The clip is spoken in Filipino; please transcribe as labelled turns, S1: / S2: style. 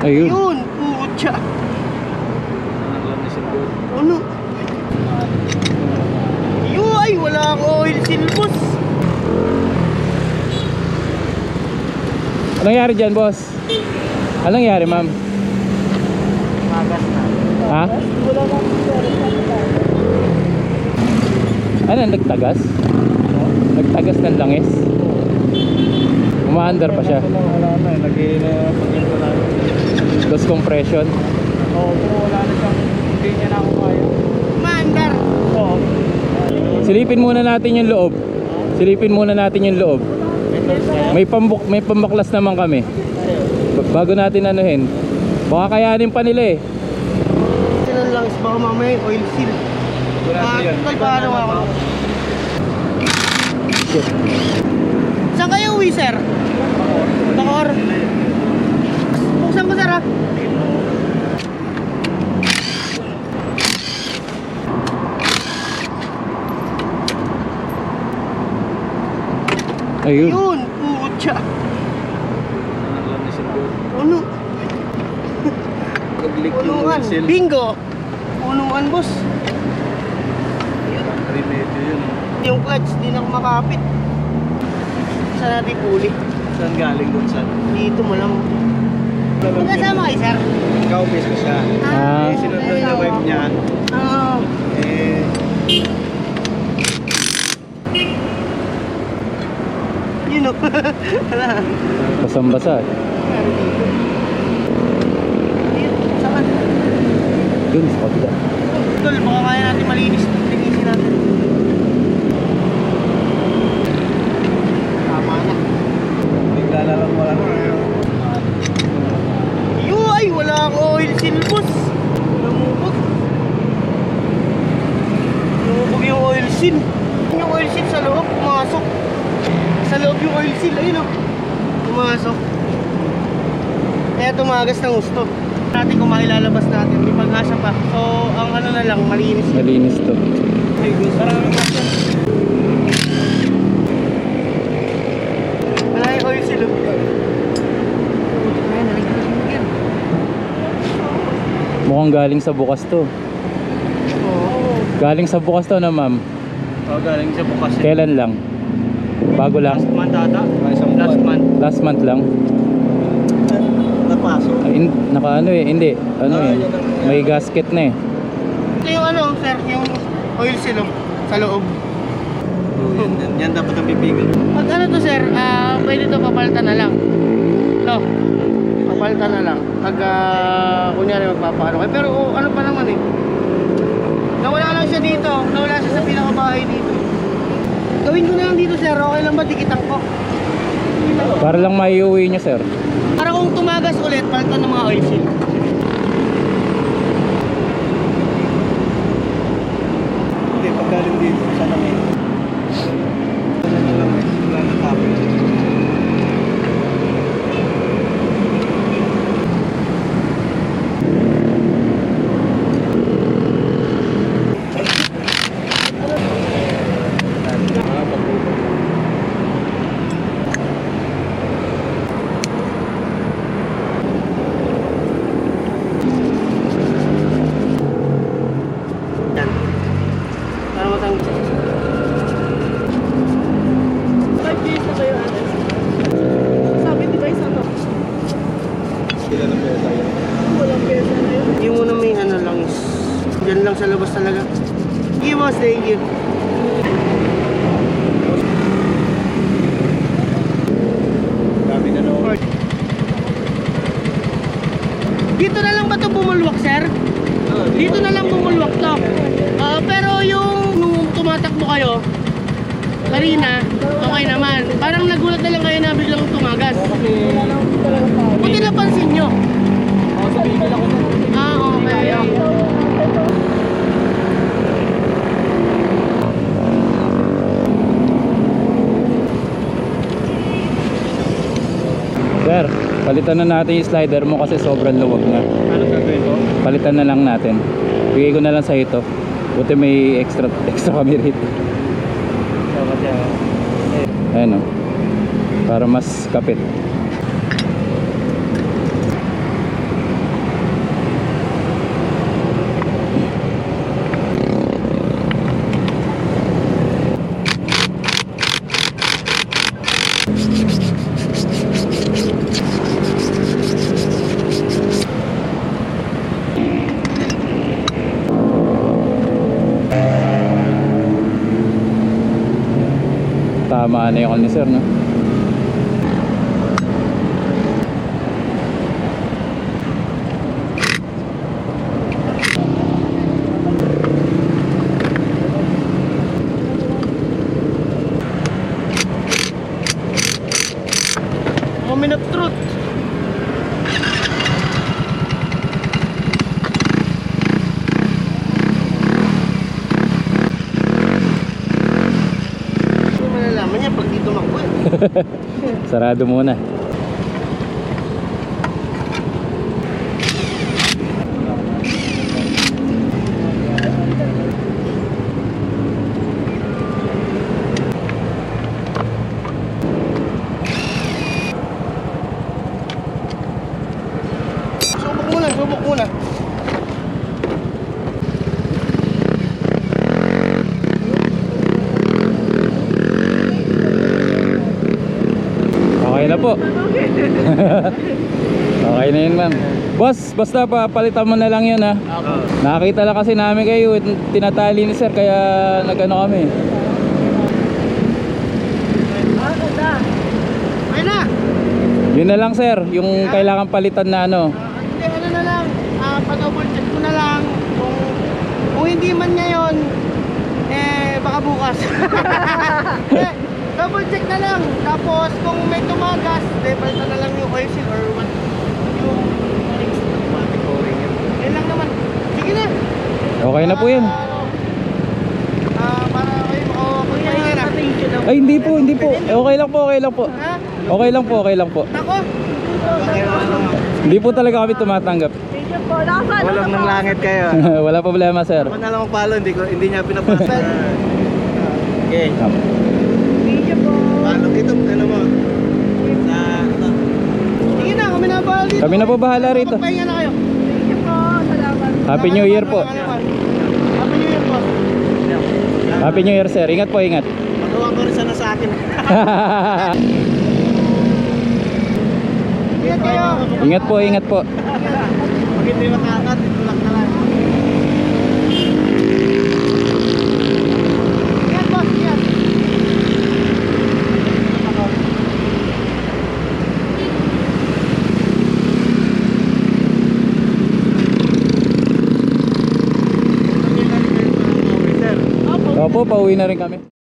S1: Ayun.
S2: Yun, putya. Ano? Yun, ay, wala akong oil seal, boss.
S1: Anong nangyari dyan, boss? Anong nangyari, ma'am?
S2: Magas na.
S1: Ha?
S2: Wala akong
S1: Ano, nagtagas? Nagtagas ng langis? Umaandar pa siya.
S2: Wala na, lagay na pag-ito na.
S1: Loss compression.
S2: Oo, pero wala na siyang, hindi niya na ako kaya. Maandar! Oo.
S1: Silipin muna natin yung loob. Silipin muna natin yung loob. May pambaklas naman kami. Bago natin anuhin. Baka kayanin pa nila eh.
S2: Sinan lang, baka mamaya oil seal. Tal, paano ako? Saan kayo uwi, sir? Bacoor. Buksan ko, sir, ha?
S1: Ayun.
S2: Yun, putya. Ano? Punuan. Bingo. Punuan, boss.
S3: Remedyo yun.
S2: Yung clutch, di na ako makapit. Saan natin puli?
S3: Saan galing dun saan?
S2: Dito mo lang. Magkasama kayo, sir?
S3: Ikaw, base ko siya.
S1: Ah.
S3: Eh, sinunod na wife niya.
S2: Oo.
S3: Eh,
S2: Yun, o.
S1: Basang-basa.
S2: Saan?
S1: Dun sa kabila.
S2: Tol, baka kaya natin malinis. Linisin natin. Tama na.
S3: bigla na lang wala na.
S2: Yun, ay, wala akong oil seal, boss. Lumubog. Lumubog yung oil seal. Yung oil seal sa loob, pumasok. Sa loob yung oil seal, ayun, o. Pumasok. Kaya tumagas ng gusto. Natin kung mailalabas natin, may pag-asa pa. So, ang ano na lang, malinis.
S1: Malinis to.
S2: Maraming question. Wala yung oil seal. Ayan, nalagyan yan.
S1: Mukhang galing sa bukas to.
S2: Oo.
S1: Galing sa bukas to na, ma'am.
S3: Oh, galing sa bukas.
S1: Kailan lang? Bago lang?
S2: Last month ata.
S3: Isang
S2: Last
S3: buwan.
S2: month.
S1: Last month lang?
S3: Napasok.
S1: Ay, naka ano eh, hindi. Ano eh, may gasket na eh.
S2: Ito yung ano, sir, yung oil seal, oh, sa loob.
S3: Yan dapat ang bibigil.
S2: Pag ano to, sir, pwede to papalitan na lang. No, papalitan na lang. Pag kunyari magpapaano kayo. Pero ano pa naman eh. Nawala lang siya dito. Nawala siya sa pinakabahay dito. Gawin ko na lang dito, sir. Okay lang ba? Dikitan ko.
S1: Para lang maiuwi nyo, sir.
S2: Para kung tumagas ulit, palitan ng mga oil seal.
S3: Hindi, pag galing dito, sa langit. Ano na lang, wala na tapos.
S2: Yan. Para matanggal. 5 days na kayo, Anas. Sabi, di ba isa to?
S3: Sila na pesa yun.
S2: Walang pesa na yun. Yung muna may ano lang is, dyan lang sa labas talaga. Thank you, boss. Thank you.
S3: Dami na naman.
S2: Dito na lang ba ito bumulwak, sir? Dito na lang bumulwak to. Pero yung nung tumatakbo kayo, kanina, okay naman. Parang nagulat na lang kayo na biglang tumagas. Buti napansin nyo. Okay.
S1: Sir, palitan na natin yung slider mo kasi sobrang luwag na.
S3: Anong gagawin ko?
S1: Palitan na lang natin. Bigay ko na lang sa ito. Buti may extra kami rito. Ayan o. Para mas kapit. Tama na yung call ni sir, no?
S2: Moment of truth. Hindi malalaman niya pag dito tumakbo eh.
S1: Sarado muna.
S2: Subok muna, subok muna.
S1: Okay na po. Okay na yun, ma'am. Boss, basta pa palitan mo na lang yun, ha. Nakakita lang kasi namin kayo, tinatali ni sir, kaya nagano kami.
S2: Ayun na!
S1: Yun na lang, sir, yung kailangan palitan na ano.
S2: Hindi, ano na lang, pa-double check ko na lang kung hindi man ngayon, eh, baka bukas. Eh, double check na lang. Tapos, kung may tumagas, eh, palitan na lang yung oil seal or what, yung automatic pouring yun. Yan lang naman. Sige na.
S1: Okay na po yan.
S2: Para kayo makapagpahinga na.
S1: Ay, hindi po, hindi po. Okay lang po, okay lang po.
S2: Ha?
S1: Okay lang po, okay lang po.
S2: Ako?
S1: Hindi po talaga kami tumatanggap.
S3: Walang ng langit kayo.
S1: Wala problema, sir.
S3: Ako na lang magpalo, hindi niya pinapasa. Okay. Palo dito, ano mo? Sa ito.
S2: Sige na, kami na bahala dito.
S1: Kami na po bahala rito.
S2: Magpahinga na kayo.
S1: Happy New Year po.
S2: Happy New Year po.
S1: Happy New Year, sir. Ingat po, ingat.
S3: Magawa ko rin sana sa akin.
S2: Ingat kayo.
S1: Ingat po, ingat po.
S3: Pag hindi makaangat, itulak na lang.
S2: Ingat boss, ingat.
S1: Opo, pauwi na rin kami.